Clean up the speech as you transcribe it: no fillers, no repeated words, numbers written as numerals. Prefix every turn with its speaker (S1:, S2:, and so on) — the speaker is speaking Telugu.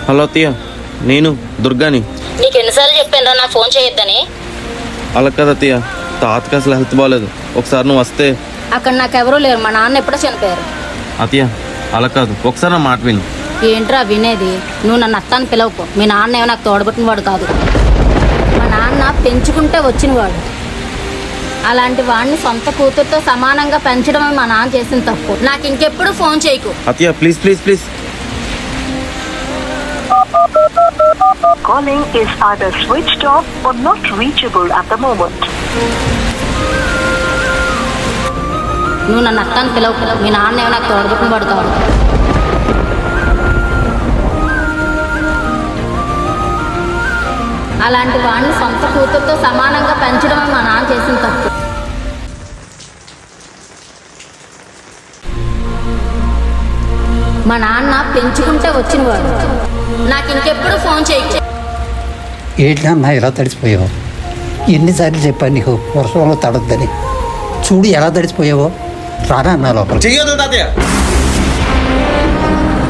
S1: హలో అత్తయ్య, నేను దుర్గాని.
S2: నీకు ఎన్నిసార్లు చెప్పాను నాకు ఫోన్ చేయొద్దని.
S1: అలా కదా అత్తయ్య, తాతకి అసలు హెల్త్ బాగాలేదు. ఒకసారి నువ్వు వస్తే.
S2: అక్కడ నాకెవరూ లేరు, మా నాన్న ఎప్పుడో చనిపోయారు.
S1: అత్తయ్య అలా కాదు, ఒకసారి నా మాట విను.
S2: ఏంట్రా వినేది? నువ్వు నన్ను అత్తాన్ని పిలవకు. మీ నాన్న ఏమో నాకు తోడబుట్టిన వాడు కాదు. మా నాన్న పెంచుకుంటే వచ్చినవాడు. అలాంటి వాడిని సొంత కూతురుతో సమానంగా పెంచడమే మా నాన్న చేసిన తప్పు. నాకు ఇంకెప్పుడు ఫోన్ చేయకు.
S1: అత్తయ్య please please please.
S3: Calling is either switched off or not reachable at the moment.
S2: నువ్వు నన్ను అత్తాన్ని పిలవకు. మీ నాన్న ఏమో నాకు తోడబుట్టిన వాడు కాదు. అలాంటి వాడిని సొంత కూతురుతో సమానంగా పెంచడమే మా నాన్న చేసిన తప్పు. మా నాన్న పెంచుకుంటే వచ్చినవాడు. నాకు ఇంకెప్పుడు ఫోన్ చేయకు.
S4: ఏంటన్నా ఎలా తడిసిపోయావు? ఎన్నిసార్లు చెప్పాను నీకు వర్షంలో తడద్దని. చూడు ఎలా తడిసిపోయావో. రానా అన్నా లోపల.
S1: చెయ్యొద్దు తాతయ్య.